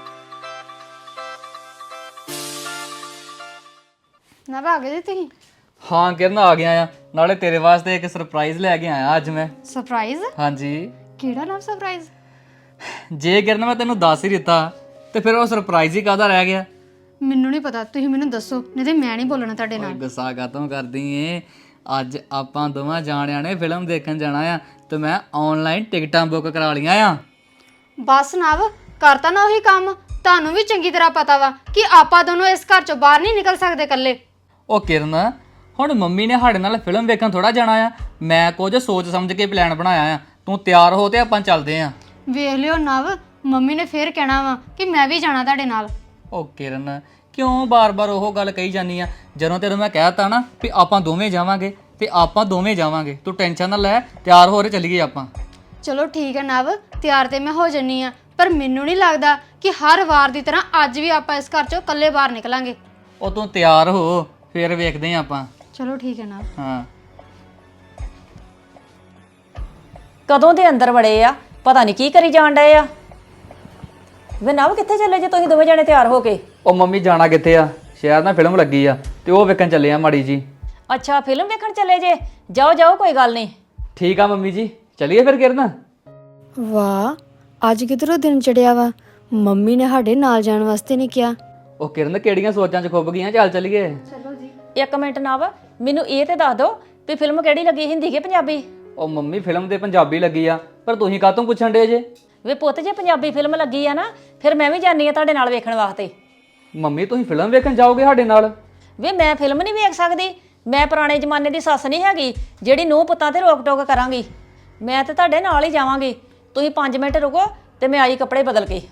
Speaker 2: ਨਵ ਆ ਗਏ ਜੀ ਤੁਸੀਂ?
Speaker 1: ਹਾਂ ਕਿਰਨ ਆ ਗਿਆ ਆ, ਨਾਲੇ ਤੇਰੇ ਵਾਸਤੇ ਇੱਕ ਸਰਪ੍ਰਾਈਜ਼ ਲੈ ਕੇ ਆਇਆ ਅੱਜ ਮੈਂ।
Speaker 2: ਸਰਪ੍ਰਾਈਜ਼?
Speaker 1: ਹਾਂਜੀ।
Speaker 2: ਕਿਹੜਾ ਨਵ ਸਰਪ੍ਰਾਈਜ਼?
Speaker 1: ਜੇ ਕਿਰਨ ਮੈਂ ਤੈਨੂੰ ਦੱਸ ਹੀ ਦਿੱਤਾ ਤੇ ਫਿਰ ਉਹ ਸਰਪ੍ਰਾਈਜ਼ ਹੀ ਕਾਹਦਾ ਰਹਿ ਗਿਆ?
Speaker 2: ਮੈਨੂੰ ਨਹੀਂ ਪਤਾ, ਤੁਸੀਂ ਮੈਨੂੰ ਦੱਸੋ, ਨਹੀਂ ਤੇ ਮੈਂ ਨਹੀਂ ਬੋਲਣਾ ਤੁਹਾਡੇ ਨਾਲ।
Speaker 1: ਗੁੱਸਾ ਕਾਤੋਂ ਕਰਦੀ ਏ? ਅੱਜ ਆਪਾਂ ਦੋਵਾਂ ਜਾਣਿਆਂ ਨੇ ਫਿਲਮ ਦੇਖਣ ਜਾਣਾ ਆ ਤੇ ਮੈਂ ਆਨਲਾਈਨ ਟਿਕਟਾਂ ਬੁੱਕ ਕਰਾ ਲਈਆਂ ਆ।
Speaker 2: ਬਸ ਨਵ, ਕਰਤਾ ਨਾ ਉਹੀ ਕੰਮ। ਤੁਹਾਨੂੰ ਵੀ ਚੰਗੀ ਤਰ੍ਹਾਂ ਪਤਾ ਵਾ ਕਿ ਆਪਾਂ ਦੋਨੋਂ ਇਸ ਘਰ ਚੋਂ ਬਾਹਰ ਨਹੀਂ ਨਿਕਲ ਸਕਦੇ ਇਕੱਲੇ।
Speaker 1: ਉਹ ਕਿਰਨ, ਹੁਣ ਮੰਮੀ ਨੇ ਸਾਡੇ ਨਾਲ ਫਿਲਮ ਵੇਖਣ ਥੋੜਾ ਜਾਣਾ ਆ। ਮੈਂ ਕੁਝ ਸੋਚ ਸਮਝ ਕੇ ਪਲਾਨ ਬਣਾਇਆ ਆ। ਤੂੰ ਤਿਆਰ ਹੋ ਤੇ ਆਪਾਂ ਚੱਲਦੇ ਆ।
Speaker 2: ਵੇਖ ਲਿਓ ਨਵ, ਮੰਮੀ ਨੇ ਫੇਰ ਕਹਿਣਾ ਵਾ ਕਿ ਮੈਂ ਵੀ ਜਾਣਾ ਤੁਹਾਡੇ ਨਾਲ।
Speaker 1: ਉਹ ਕਿਰਨ ਕਿਉਂ ਬਾਰ-ਬਾਰ ਉਹ ਗੱਲ ਕਹੀ ਜਾਂਦੀ ਆ? ਜਦੋਂ ਤੈਨੂੰ ਮੈਂ ਕਹਿਤਾ ਨਾ ਵੀ ਆਪਾਂ ਦੋਵੇਂ ਜਾਵਾਂਗੇ ਤੇ ਆਪਾਂ ਦੋਵੇਂ ਜਾਵਾਂਗੇ, ਤੂੰ ਟੈਨਸ਼ਨ ਨਾ ਲੈ, ਤਿਆਰ ਹੋ ਰਹੇ ਚੱਲੀਏ ਆਪਾਂ।
Speaker 2: ਚਲੋ ਠੀਕ ਹੈ ਨਵ, ਤਿਆਰ ਤੇ ਮੈਂ ਹੋ ਜੰਨੀ ਆ, ਪਰ ਮੈਨੂੰ ਨਹੀਂ ਲੱਗਦਾ ਕਿ ਹਰ ਵਾਰ ਦੀ ਤਰ੍ਹਾਂ ਅੱਜ ਵੀ ਆਪਾਂ ਇਸ ਘਰ ਚੋਂ ਇਕੱਲੇ ਬਾਹਰ ਨਿਕਲਾਂਗੇ।
Speaker 1: ਉਹ ਤੂੰ ਤਿਆਰ ਹੋ, ਫੇਰ ਵੇਖਦੇ ਆਂ ਆਪਾਂ।
Speaker 2: ਚਲੋ ਠੀਕ ਹੈ ਨਵ।
Speaker 1: ਹਾਂ
Speaker 3: ਕਦੋਂ ਦੇ ਅੰਦਰ ਵੜੇ ਆ, ਪਤਾ ਨਹੀਂ ਕੀ ਕਰੀ ਜਾਣ ਡਏ ਆ। ਵੇ ਨਵ ਕਿੱਥੇ ਚੱਲੇ ਜੇ ਤੁਸੀਂ ਦੋਵੇਂ ਜਣੇ ਤਿਆਰ ਹੋ ਕੇ?
Speaker 1: ਉਹ ਮੰਮੀ ਜਾਣਾ ਕਿੱਥੇ ਆ? ਸ਼ਹਿਰ ਨਾਲ ਫਿਲਮ ਲੱਗੀ ਆ ਤੇ ਉਹ ਵੇਖਣ ਚੱਲੇ ਆ ਮਾੜੀ ਜੀ।
Speaker 3: ਅੱਛਾ ਫਿਲਮ ਵੇਖਣ ਚੱਲੇ ਜੇ? ਜਾਓ ਜਾਓ ਕੋਈ ਗੱਲ ਨਹੀਂ।
Speaker 1: ਠੀਕ ਆ ਮੰਮੀ ਜੀ, ਚੱਲੀਏ ਫਿਰ ਕਿਰਨ।
Speaker 2: ਵਾਹ, ਅੱਜ ਕਿਧਰੋਂ ਦਿਨ ਚੜਿਆ ਵਾ। ਮੰਮੀ ਨੇ ਸਾਡੇ ਨਾਲ ਜਾਣ ਵਾਸਤੇ ਨਹੀਂ ਕਿਹਾ।
Speaker 1: ਉਹ ਕਿਰਨ ਕਿਹੜੀਆਂ ਸੋਚਾਂ 'ਚ ਖੁੱਭ ਗਈਆਂ, ਚੱਲ ਚੱਲੀਏ।
Speaker 3: ਇੱਕ ਮਿੰਟ ਨਵ, ਮੈਨੂੰ ਇਹ ਤੇ ਦੱਸ ਦਿਓ ਵੀ ਫਿਲਮ ਕਿਹੜੀ ਲੱਗੀ, ਹਿੰਦੀ ਕਿ ਪੰਜਾਬੀ?
Speaker 1: ਉਹ ਮੰਮੀ ਫਿਲਮ ਤੇ ਪੰਜਾਬੀ ਲੱਗੀ ਆ, ਪਰ ਤੁਸੀਂ ਕਾਹਤੋਂ ਪੁੱਛਣ ਡੇ ਜੇ?
Speaker 3: ਵੇ ਪੁੱਤ ਜੇ ਪੰਜਾਬੀ ਫਿਲਮ ਲੱਗੀ ਆ ਨਾ, ਫਿਰ ਮੈਂ ਵੀ ਜਾਣੀ ਆ ਤੁਹਾਡੇ ਨਾਲ ਵੇਖਣ ਵਾਸਤੇ।
Speaker 1: ਮੰਮੀ ਤੁਸੀਂ ਫਿਲਮ ਵੇਖਣ ਜਾਓਗੇ ਸਾਡੇ ਨਾਲ?
Speaker 3: ਵੇ ਮੈਂ ਫਿਲਮ ਨਹੀਂ ਵੇਖ ਸਕਦੀ, ਮੈਂ ਪੁਰਾਣੇ ਜ਼ਮਾਨੇ ਦੀ ਸੱਸ ਨਹੀਂ ਹੈਗੀ ਜਿਹੜੀ ਨੂੰਹ ਪੁੱਤਾਂ ਤੇ ਰੋਕ ਟੋਕ ਕਰਾਂਗੀ। ਮੈਂ ਤੇ ਤੁਹਾਡੇ ਨਾਲ ਹੀ ਜਾਵਾਂਗੀ। ਤੁਸੀਂ 5 ਮਿੰਟ ਰੁਕੋ ਤੇ ਮੈਂ ਆਈ ਕੱਪੜੇ ਬਦਲ ਕੇ।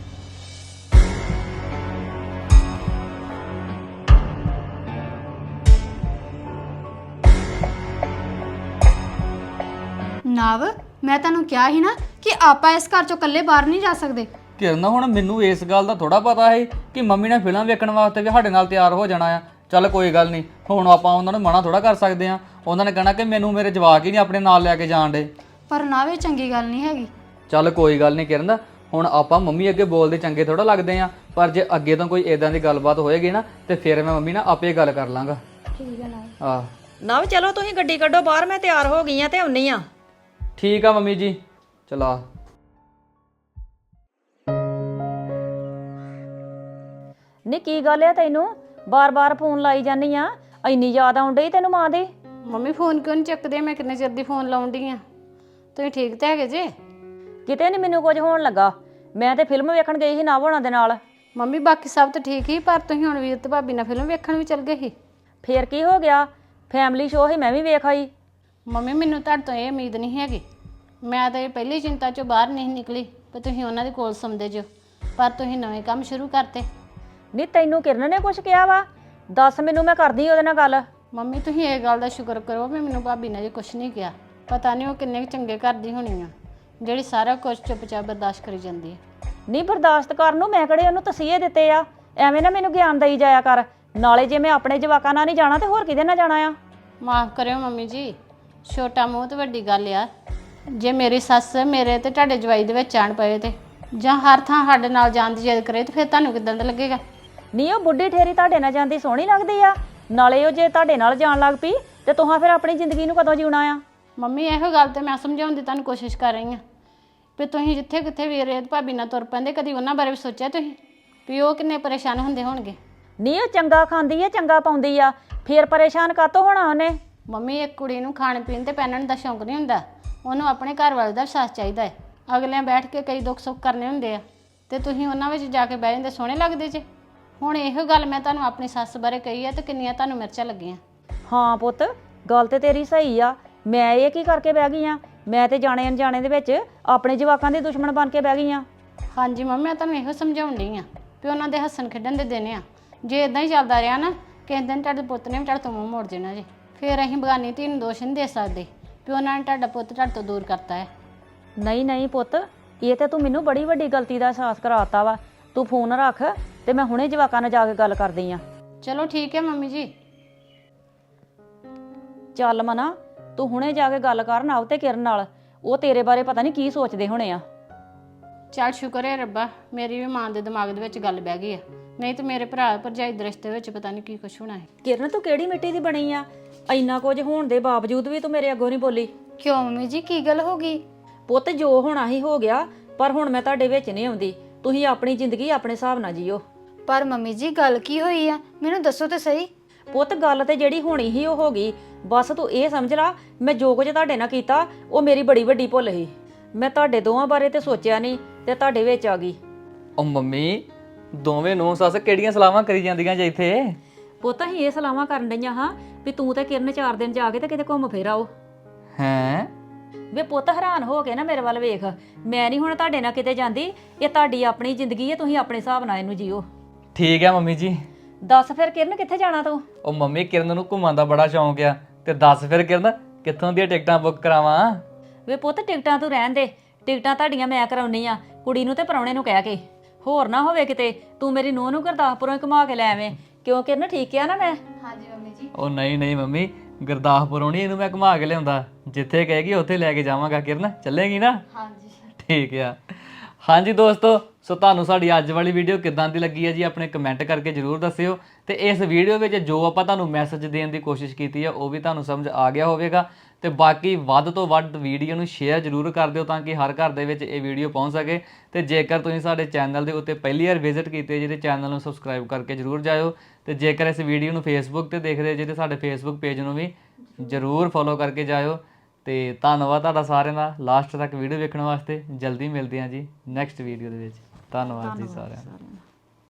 Speaker 2: ਨਵ, ਮੈਂ ਤੁਹਾਨੂੰ ਕਿਹਾ ਸੀ ਨਾ ਕਿ ਆਪਾਂ ਇਸ ਘਰ ਚੋਂ ਇਕੱਲੇ ਬਾਹਰ ਨਹੀਂ ਜਾ ਸਕਦੇ।
Speaker 1: ਕਿਰਨ ਹੁਣ ਮੈਨੂੰ ਇਸ ਗੱਲ ਦਾ ਥੋੜਾ ਪਤਾ ਹੈ ਕਿ ਮੰਮੀ ਨੇ ਫਿਲਮ ਵੇਖਣ ਵਾਸਤੇ ਵੀ ਸਾਡੇ ਨਾਲ ਤਿਆਰ ਹੋ ਜਾਣਾ ਆ। ਚੱਲ ਕੋਈ ਗੱਲ ਨਹੀਂ, ਹੁਣ ਆਪਾਂ ਉਹਨਾਂ ਨੂੰ ਮਨਾ ਥੋੜਾ ਕਰ ਸਕਦੇ ਆ। ਉਹਨਾਂ ਨੇ ਕਹਿਣਾ ਕਿ ਮੈਨੂੰ ਮੇਰੇ ਜਵਾਕ ਹੀ ਨਹੀਂ ਆਪਣੇ ਨਾਲ ਲੈ ਕੇ ਜਾਣ ਡੇ।
Speaker 2: ਪਰ ਨਵ, ਇਹ ਚੰਗੀ ਗੱਲ ਨਹੀਂ ਹੈਗੀ।
Speaker 1: ਚੱਲ ਕੋਈ ਗੱਲ ਨਹੀਂ ਕਿਰਨ, ਹੁਣ ਆਪਾਂ ਮੰਮੀ ਅੱਗੇ ਬੋਲਦੇ ਚੰਗੇ ਥੋੜਾ ਲੱਗਦੇ ਆ, ਪਰ ਜੇ ਅੱਗੇ ਤੋਂ ਕੋਈ ਇਦਾਂ ਦੀ ਗੱਲਬਾਤ ਹੋਏਗੀ ਨਾ ਤੇ ਫਿਰ ਮੈਂ ਮੰਮੀ ਨਾਲ ਆਪੇ ਗੱਲ ਕਰ ਲਾਂਗਾ।
Speaker 2: ਠੀਕ ਹੈ ਨਵ।
Speaker 1: ਆਹ
Speaker 3: ਨਵ ਚਲੋ ਤੁਸੀਂ ਗੱਡੀ ਕੱਢੋ ਬਾਹਰ, ਮੈਂ ਤਿਆਰ ਹੋ ਗਈ ਆ ਤੇ ਆਉਣੀ ਆ।
Speaker 1: ਠੀਕ ਆ ਮੰਮੀ ਜੀ, ਚਲਾ।
Speaker 3: ਨੀ ਕੀ ਗੱਲ ਆ ਤੈਨੂੰ ਬਾਰ-ਬਾਰ ਫੋਨ ਲਾਈ ਜਾਨੀ ਆ? ਇੰਨੀ ਯਾਦ ਆਉਣ ਡਈ ਤੈਨੂੰ ਮਾਂ ਦੀ?
Speaker 4: ਮੰਮੀ ਫੋਨ ਕਿਉਂ ਨਹੀਂ ਚੱਕਦੇ? ਮੈਂ ਕਿੰਨੇ ਚਿਰ ਦੀ ਫੋਨ ਲਾਉਣ ਡਈ ਆ। ਤੁਸੀਂ ਠੀਕ ਤੇ ਹੈਗੇ ਜੇ?
Speaker 3: ਕਿਤੇ ਨਹੀਂ ਮੈਨੂੰ ਕੁਝ ਹੋਣ ਲੱਗਾ, ਮੈਂ ਤੇ ਫਿਲਮ ਵੇਖਣ ਗਈ ਸੀ ਨਵ ਹੋਣਾ ਦੇ ਨਾਲ।
Speaker 4: ਮੰਮੀ ਬਾਕੀ ਸਭ ਤਾਂ ਠੀਕ ਹੀ, ਪਰ ਤੁਸੀਂ ਹੁਣ ਵੀਰ ਤੇ ਭਾਬੀ ਨਾਲ ਫਿਲਮ ਵੇਖਣ ਵੀ ਚੱਲ ਗਏ ਸੀ।
Speaker 3: ਫੇਰ ਕੀ ਹੋ ਗਿਆ? ਫੈਮਿਲੀ ਸ਼ੋਅ ਹੀ ਮੈਂ ਵੀ ਵੇਖ ਆਈ।
Speaker 4: ਮੰਮੀ ਮੈਨੂੰ ਤੁਹਾਡੇ ਤੋਂ ਇਹ ਉਮੀਦ ਨਹੀਂ ਹੈਗੀ। ਮੈਂ ਤਾਂ ਇਹ ਪਹਿਲੀ ਚਿੰਤਾ ਚੋਂ ਬਾਹਰ ਨਹੀਂ ਨਿਕਲੀ ਕਿ ਤੁਸੀਂ ਉਹਨਾਂ ਦੇ ਕੋਲ ਸੌਂਦੇ ਜੋ, ਪਰ ਤੁਸੀਂ ਨਵੇਂ ਕੰਮ ਸ਼ੁਰੂ ਕਰਤੇ।
Speaker 3: ਨਹੀਂ ਤੈਨੂੰ ਕਿਰਨ ਨੇ ਕੁਝ ਕਿਹਾ ਵਾ? ਦੱਸ ਮੈਨੂੰ, ਮੈਂ ਕਰਦੀ ਉਹਦੇ ਨਾਲ ਗੱਲ।
Speaker 4: ਮੰਮੀ ਤੁਸੀਂ ਇਹ ਗੱਲ ਦਾ ਸ਼ੁਕਰ ਕਰੋ ਵੀ ਮੈਨੂੰ ਭਾਬੀ ਨੇ ਜੇ ਕੁਝ ਨਹੀਂ ਕਿਹਾ। ਪਤਾ ਨਹੀਂ ਉਹ ਕਿੰਨੇ ਕੁ ਚੰਗੇ ਘਰ ਦੀ ਹੋਣੀ ਆ ਜਿਹੜੀ ਸਾਰਾ ਕੁਝ ਚੁੱਪਚਾਪ ਬਰਦਾਸ਼ਤ ਕਰੀ ਜਾਂਦੀ ਹੈ।
Speaker 3: ਨਹੀਂ ਬਰਦਾਸ਼ਤ ਕਰਨ ਨੂੰ ਮੈਂ ਕਿਹੜੇ ਉਹਨੂੰ ਤਸੀਹੇ ਦਿੱਤੇ ਆ? ਐਵੇਂ ਨਾ ਮੈਨੂੰ ਗਿਆਨ ਦੇਈ ਜਾਇਆ ਕਰ। ਨਾਲੇ ਜੇ ਮੈਂ ਆਪਣੇ ਜਵਾਕਾਂ ਨਾਲ ਨਹੀਂ ਜਾਣਾ ਤੇ ਹੋਰ ਕਿਹਦੇ ਨਾਲ ਜਾਣਾ ਆ?
Speaker 4: ਮਾਫ ਕਰਿਓ ਮੰਮੀ ਜੀ, ਛੋਟਾ ਮੂੰਹ ਤੇ ਵੱਡੀ ਗੱਲ ਆ। ਜੇ ਮੇਰੀ ਸੱਸ ਮੇਰੇ ਤੇ ਤੁਹਾਡੇ ਜਵਾਈ ਦੇ ਵਿੱਚ ਆਣ ਪਏ ਤੇ ਜਾਂ ਹਰ ਥਾਂ ਸਾਡੇ ਨਾਲ ਜਾਣ ਦੀ ਜਿੱਦ ਕਰੇ ਤੇ ਫਿਰ ਤੁਹਾਨੂੰ ਕਿੱਦਾਂ ਦਾ ਲੱਗੇਗਾ?
Speaker 3: ਨਹੀਂ ਉਹ ਬੁੱਢੀ ਠੇਰੀ ਤੁਹਾਡੇ ਨਾਲ ਜਾਂਦੀ ਸੋਹਣੀ ਲੱਗਦੀ ਆ। ਨਾਲੇ ਉਹ ਜੇ ਤੁਹਾਡੇ ਨਾਲ ਜਾਣ ਲੱਗ ਪਈ ਤੇ ਤੁਹਾਂ ਫਿਰ ਆਪਣੀ ਜ਼ਿੰਦਗੀ ਨੂੰ ਕਦੋਂ ਜਿਉਣਾ ਆ?
Speaker 4: ਮੰਮੀ ਇਹੋ ਗੱਲ ਤੇ ਮੈਂ ਸਮਝਾਉਣ ਦੀ ਤੁਹਾਨੂੰ ਕੋਸ਼ਿਸ਼ ਕਰ ਰਹੀ ਹਾਂ ਵੀ ਤੁਸੀਂ ਜਿੱਥੇ ਕਿੱਥੇ ਵੀਰੇ ਤੇ ਭਾਬੀ ਨਾਲ ਤੁਰ ਪੈਂਦੇ, ਕਦੀ ਉਹਨਾਂ ਬਾਰੇ ਵੀ ਸੋਚਿਆ ਤੁਸੀਂ ਵੀ ਉਹ ਕਿੰਨੇ ਪਰੇਸ਼ਾਨ ਹੁੰਦੇ ਹੋਣਗੇ?
Speaker 3: ਨਹੀਂ ਉਹ ਚੰਗਾ ਖਾਂਦੀ ਆ, ਚੰਗਾ ਪਾਉਂਦੀ ਆ, ਫੇਰ ਪਰੇਸ਼ਾਨ ਕਾਤੋਂ ਹੋਣਾ ਉਹਨੇ?
Speaker 4: ਮੰਮੀ ਇੱਕ ਕੁੜੀ ਨੂੰ ਖਾਣ ਪੀਣ ਤੇ ਪਹਿਨਣ ਦਾ ਸ਼ੌਂਕ ਨਹੀਂ ਹੁੰਦਾ, ਉਹਨੂੰ ਆਪਣੇ ਘਰ ਵਾਲੇ ਦਾ ਵਿਸ਼ਵਾਸ ਚਾਹੀਦਾ ਹੈ। ਅਗਲਿਆਂ ਬੈਠ ਕੇ ਕਈ ਦੁੱਖ ਸੁੱਖ ਕਰਨੇ ਹੁੰਦੇ ਆ ਤੇ ਤੁਸੀਂ ਉਹਨਾਂ ਵਿੱਚ ਜਾ ਕੇ ਬਹਿ ਜਾਂਦੇ, ਸੋਹਣੇ ਲੱਗਦੇ ਜੇ। ਹੁਣ ਇਹੋ ਗੱਲ ਮੈਂ ਤੁਹਾਨੂੰ ਆਪਣੀ ਸੱਸ ਬਾਰੇ ਕਹੀ ਹੈ ਤੇ ਕਿੰਨੀਆਂ ਤੁਹਾਨੂੰ ਮਿਰਚਾਂ ਲੱਗੀਆਂ।
Speaker 3: ਹਾਂ ਪੁੱਤ, ਗੱਲ ਤੇ ਤੇਰੀ ਸਹੀ ਆ। ਮੈਂ ਇਹ ਕੀ ਕਰਕੇ ਬਹਿ ਗਈ ਆ? ਮੈਂ ਤੇ ਜਾਣੇ ਅਣਜਾਣੇ ਦੇ ਵਿੱਚ ਆਪਣੇ ਜਵਾਕਾਂ ਦੇ ਦੁਸ਼ਮਣ ਬਣ ਕੇ ਬਹਿ ਗਈ ਆ।
Speaker 4: ਹਾਂਜੀ ਮੰਮੀ, ਮੈਂ ਤੁਹਾਨੂੰ ਇਹੋ ਸਮਝਾਉਣ ਡਈ ਆ ਵੀ ਉਹਨਾਂ ਦੇ ਹੱਸਣ ਖੇਡਣ ਦੇ ਦਿਨ ਆ। ਜੇ ਇਦਾਂ ਹੀ ਚੱਲਦਾ ਰਿਹਾ ਨਾ, ਕਿਸੇ ਦਿਨ ਤੁਹਾਡੇ ਪੁੱਤ ਨੇ ਵੀ ਤੁਹਾਡੇ ਤੋਂ ਮੂੰਹ ਮੋੜ ਦੇਣਾ ਜੇ। ਫਿਰ ਅਸੀਂ ਬਗਾਨੀ ਧੀ ਨੂੰ ਦੋਸ਼ ਨਹੀਂ ਦੇ ਸਕਦੇ ਵੀ ਉਹਨਾਂ ਨੇ ਤੁਹਾਡਾ ਪੁੱਤ ਤੁਹਾਡੇ ਤੋਂ ਦੂਰ ਕਰਤਾ ਹੈ।
Speaker 3: ਨਹੀਂ ਨਹੀਂ ਪੁੱਤ, ਇਹ ਤੇ ਤੂੰ ਮੈਨੂੰ ਬੜੀ ਵੱਡੀ ਗਲਤੀ ਦਾ ਅਹਿਸਾਸ ਕਰਾਤਾ ਵਾ। ਤੂੰ ਫੋਨ ਰੱਖ ਤੇ ਮੈਂ ਹੁਣੇ ਜਵਾਕਾਂ ਨਾਲ ਜਾ ਕੇ ਗੱਲ ਕਰਦੀ ਆ।
Speaker 4: ਚਲੋ ਠੀਕ ਹੈ ਮੰਮੀ ਜੀ।
Speaker 3: ਚੱਲ ਮਨਾ, ਤੂੰ ਹੁਣੇ ਜਾ ਕੇ ਗੱਲ ਕਰ ਨਵ ਤੇ ਕਿਰਨ ਨਾਲ। ਉਹ ਤੇਰੇ ਬਾਰੇ ਪਤਾ ਨਹੀਂ ਕੀ ਸੋਚਦੇ ਹੋਣੇ ਆ।
Speaker 4: ਚੱਲ ਸ਼ੁਕਰ ਹੈ ਰੱਬਾ, ਮੇਰੀ ਵੀ ਮਾਂ ਦੇ ਦਿਮਾਗ ਦੇ ਵਿੱਚ ਗੱਲ ਬਹਿ ਗਈ ਆ, ਨਹੀਂ ਤੇ ਮੇਰੇ ਭਰਾ ਭਰਜਾਈ ਦੇ ਰਿਸ਼ਤੇ ਵਿੱਚ ਪਤਾ ਨਹੀਂ ਕੀ ਕੁਛ ਹੋਣਾ ਹੈ।
Speaker 3: ਕਿਰਨ ਤੂੰ ਕਿਹੜੀ ਮਿੱਟੀ ਦੀ ਬਣੀ ਆ? ਇੰਨਾ ਕੁਝ ਹੋਣ ਦੇ ਬਾਵਜੂਦ ਵੀ ਤੂੰ ਮੇਰੇ ਅੱਗੋਂ ਨਹੀਂ ਬੋਲੀ।
Speaker 2: ਕਿਉਂ ਮੰਮੀ ਜੀ, ਕੀ ਗੱਲ ਹੋ ਗਈ?
Speaker 3: ਪੁੱਤ ਜੋ ਹੋਣਾ ਹੀ ਹੋ ਗਿਆ, ਪਰ ਹੁਣ ਮੈਂ ਤੁਹਾਡੇ ਵਿੱਚ ਨਹੀਂ ਆਉਂਦੀ। ਤੁਸੀਂ ਆਪਣੀ ਜ਼ਿੰਦਗੀ ਆਪਣੇ ਹਿਸਾਬ ਨਾਲ ਜੀਓ।
Speaker 2: ਪਰ ਮੰਮੀ ਜੀ, ਗੱਲ ਕੀ ਹੋਈ ਆ? ਮੈਨੂੰ ਦੱਸੋ ਤੇ ਸਹੀ।
Speaker 3: ਪੁੱਤ ਗੱਲ ਤੇ ਜਿਹੜੀ ਹੋਣੀ ਸੀ ਉਹ ਹੋ ਗਈ। ਬਸ ਤੂੰ ਇਹ ਸਮਝ ਲਾ, ਮੈਂ ਜੋ ਕੁਝ ਤੁਹਾਡੇ ਨਾਲ ਕੀਤਾ ਉਹ ਮੇਰੀ ਬੜੀ ਵੱਡੀ ਭੁੱਲ ਸੀ। ਮੈਂ ਤੁਹਾਡੇ ਦੋਵਾਂ ਬਾਰੇ ਤੇ ਸੋਚਿਆ ਨਹੀਂ ਤੇ ਤੁਹਾਡੇ ਵਿੱਚ ਆ ਗਈ।
Speaker 1: ਉਹ ਮੰਮੀ, ਦੋਵੇਂ ਨੂੰ ਸੱਸ ਕਿਹੜੀਆਂ ਸਲਾਹਾਂ ਕਰੀ ਜਾਂਦੀਆਂ ਜੇ ਇੱਥੇ?
Speaker 3: ਪੁੱਤ ਅਸੀਂ ਇਹ ਸਲਾਹਾਂ ਕਰਨ ਡਈਆਂ ਹਾਂ ਵੀ ਤੂੰ ਤੇ ਕਿਰਨ 4 ਦਿਨ ਜਾ ਕੇ ਤੇ ਕਿਤੇ ਘੁੰਮ ਫਿਰ ਆਓ।
Speaker 1: ਹੈਂ?
Speaker 3: ਵੇ ਪੁੱਤ ਹੈਰਾਨ ਹੋ ਕੇ ਨਾ ਮੇਰੇ ਵੱਲ ਵੇਖ, ਮੈਂ ਨਹੀਂ ਹੁਣ ਤੁਹਾਡੇ ਨਾਲ ਕਿਤੇ ਜਾਂਦੀ, ਇਹ ਤੁਹਾਡੀ ਆਪਣੀ ਜ਼ਿੰਦਗੀ ਹੈ, ਤੁਸੀਂ ਆਪਣੇ ਹਿਸਾਬ ਨਾਲ ਇਹਨੂੰ ਜੀਓ।
Speaker 1: ਠੀਕ ਆ ਮੰਮੀ ਜੀ।
Speaker 3: ਦੱਸ ਫਿਰ ਕਿਰਨ ਕਿੱਥੇ ਜਾਣਾ ਤੂੰ?
Speaker 1: ਉਹ ਮੰਮੀ ਕਿਰਨ ਨੂੰ ਘੁੰਮਣ ਦਾ ਬੜਾ ਸ਼ੌਂਕ ਆ, ਤੇ ਦੱਸ ਫਿਰ ਕਿਰਨ ਕਿੱਥੋਂ ਦੀਆਂ ਟਿਕਟਾਂ ਬੁੱਕ ਕਰਾਵਾਂ?
Speaker 3: ਵੇ ਪੁੱਤ ਟਿਕਟਾਂ ਤੂੰ ਰਹਿਣ ਦੇ, ਟਿਕਟਾਂ ਤੁਹਾਡੀਆਂ ਮੈਂ ਕਰਾਉਣੀ ਆ, ਕੁੜੀ ਨੂੰ ਤੇ ਪ੍ਰਾਹੁਣੇ ਨੂੰ ਕਹਿ ਕੇ। ਹੋਰ ਨਾ ਹੋਵੇ ਕਿਤੇ ਤੂੰ ਮੇਰੀ ਨੂੰਹ ਨੂੰ ਗੁਰਦਾਸਪੁਰੋਂ ਹੀ ਘੁਮਾ ਕੇ ਲੈ ਆਵੇਂ, ਕਿਉਂ ਕਿਰਨ ਠੀਕ ਆ ਨਾ ਮੈਂ?
Speaker 2: ਹਾਂਜੀ ਮੰਮੀ ਜੀ।
Speaker 1: ਉਹ ਨਹੀਂ ਮੰਮੀ, ਗੁਰਦਾਸਪੁਰੋਂ ਨਹੀਂ ਇਹਨੂੰ ਮੈਂ ਘੁਮਾ ਕੇ ਲਿਆਉਂਦਾ, ਜਿੱਥੇ ਕਹੇਗੀ ਉੱਥੇ ਲੈ ਕੇ ਜਾਵਾਂਗਾ। ਕਿਰਨ ਚੱਲੇਗੀ ਨਾ?
Speaker 2: ਹਾਂਜੀ
Speaker 1: ਠੀਕ ਆ। ਹਾਂਜੀ ਦੋਸਤੋ, ਸੋ ਤੁਹਾਨੂੰ ਸਾਡੀ ਅੱਜ ਵਾਲੀ ਵੀਡੀਓ ਕਿੱਦਾਂ ਦੀ ਲੱਗੀ ਹੈ ਜੀ ਆਪਣੇ ਕਮੈਂਟ ਕਰਕੇ ਜਰੂਰ ਦੱਸਿਓ। ਤੇ ਇਸ ਵੀਡੀਓ ਵਿੱਚ ਜੋ ਆਪਾਂ ਤੁਹਾਨੂੰ ਮੈਸੇਜ ਦੇਣ ਦੀ ਕੋਸ਼ਿਸ਼ ਕੀਤੀ ਹੈ ਉਹ ਵੀ ਤੁਹਾਨੂੰ ਸਮਝ ਆ ਗਿਆ ਹੋਵੇਗਾ। ਤੇ ਬਾਕੀ ਵੱਧ ਤੋਂ ਵੱਧ ਵੀਡੀਓ ਨੂੰ ਸ਼ੇਅਰ ਜਰੂਰ ਕਰ ਦਿਓ ਤਾਂ ਕਿ ਹਰ ਘਰ ਦੇ ਵਿੱਚ ਇਹ ਵੀਡੀਓ ਪਹੁੰਚ ਸਕੇ। ਤੇ ਜੇਕਰ ਤੁਸੀਂ ਸਾਡੇ ਚੈਨਲ ਦੇ ਉੱਤੇ ਪਹਿਲੀ ਵਾਰ ਵਿਜ਼ਿਟ ਕੀਤੇ ਜਿਹਦੇ ਚੈਨਲ ਨੂੰ ਸਬਸਕ੍ਰਾਈਬ ਕਰਕੇ ਜਰੂਰ ਜਾਇਓ। ਤੇ ਜੇਕਰ ਇਸ ਵੀਡੀਓ ਨੂੰ ਫੇਸਬੁੱਕ ਤੇ ਦੇਖਦੇ ਜੇ ਤੇ ਸਾਡੇ ਫੇਸਬੁੱਕ ਪੇਜ ਨੂੰ ਵੀ ਜਰੂਰ ਫੋਲੋ ਕਰਕੇ ਜਾਇਓ। ਤੇ ਧੰਨਵਾਦ ਤੁਹਾਡਾ ਸਾਰਿਆਂ ਦਾ ਲਾਸਟ ਤੱਕ ਵੀਡੀਓ ਵੇਖਣ ਵਾਸਤੇ। ਜਲਦੀ ਮਿਲਦੇ ਹਾਂ ਜੀ ਨੈਕਸਟ ਵੀਡੀਓ ਦੇ ਵਿੱਚ। ਧੰਨਵਾਦ ਜੀ ਸਾਰਿਆਂ ਦਾ।